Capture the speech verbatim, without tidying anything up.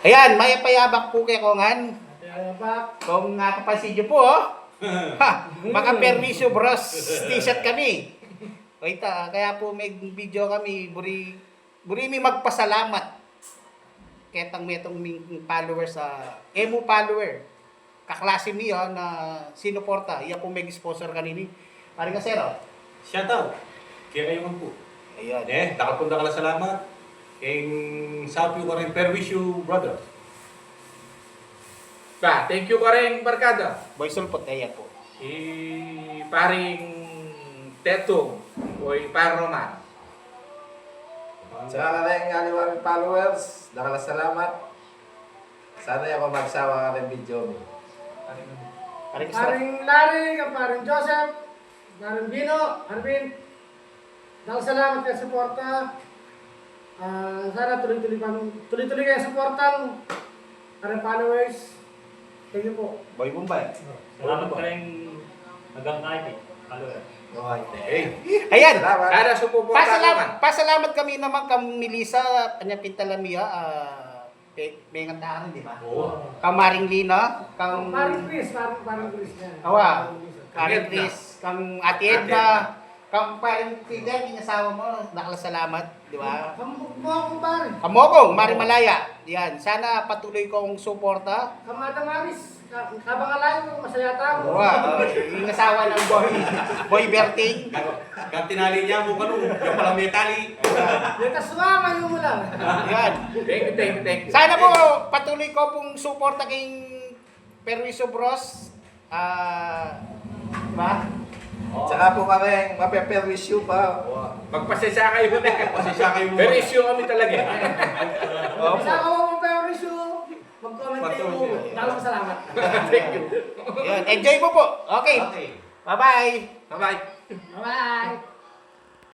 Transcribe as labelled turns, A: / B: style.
A: Ayan, may payabak po kay Kongan.
B: Payabak.
A: Kung nakapansin niyo po, oh. Ha, mga permiso bros, t-shirt kami. Wait, ah, kaya po may video kami, buri, buri mi magpasalamat. Ketang metong ming followers sa, emo follower. Kaklase mi ah, na sinuporta. Iya po may sponsor kanini. Pari ka sir, oh.
C: Shout out. Kaya kayo man po.
A: Ayan.
C: Eh, nakapunta ka lang salamat. King Sapio ka rin Perwisyo Brothers.
D: Pa, thank you ka rin, Barkada.
A: Boy Sulpot, ayan po.
D: I paring Tetong o par Roman.
E: Sa kanalang aliwang followers, nakalasalamat. Sana ako magsawa ka ng video mo.
A: Pari ka sir.
B: Paring Larry, ang paring Joseph, paring Bino, Arvin. Nakasalamat kayo sa suporta. Ah, sana tuloy-tuloy pa tuloy-tuloy kayo sa suportan. Paring followers. Thank you po.
A: Boy Bombay.
F: Salamat ka rin hanggang kahit eh. Follower.
C: Eh,
A: Ayan.
E: Salamat.
D: Kada suporta
A: Pasalamat, pasalamat kami naman kang Melissa, kanya Pintalamia, ah, pe, pengan tahan, di ba?
C: oo.
A: Kang Maring Lina, kang
B: Paring Chris, paring paring Chris yan.
A: Awa.
B: Paring Chris.
A: Karin
D: Edna.
A: Chris, kang Ate
D: Ate
A: Edna, kang paring Fidel, yung asawa mo, nakalasalamat, di ba?
B: Kamukha mo akong pare.
A: Kamokong, Maring Malaya, yan. Sana patuloy kong suporta.
B: Kamada Maris. Ka- Kabang alayo, masaya tao.
A: Wow, yung asawa ng boy, boy Berting.
C: Kang tinali niya mo kanong, yung palang may tali.
B: Yung kasama yung mo lang.
A: Yan.
D: Thank you, thank you, thank you.
A: Sana po patuloy ko pong suporta kay Perwiso Bros. Ah, diba?
E: Tsaka po kami, mape-perwisyo pa.
D: Magpasensya kayo na.
C: Pasensya kayo mo.
D: Pero issue kami talaga.
A: Opo.
B: Sa ako mo pero issue, mag-comment kayo mo. Dalang salamat.
D: Thank you.
A: Yan. Enjoy mo po. Okay.
C: Okay.
A: Bye-bye.
D: Bye-bye.
B: Bye-bye.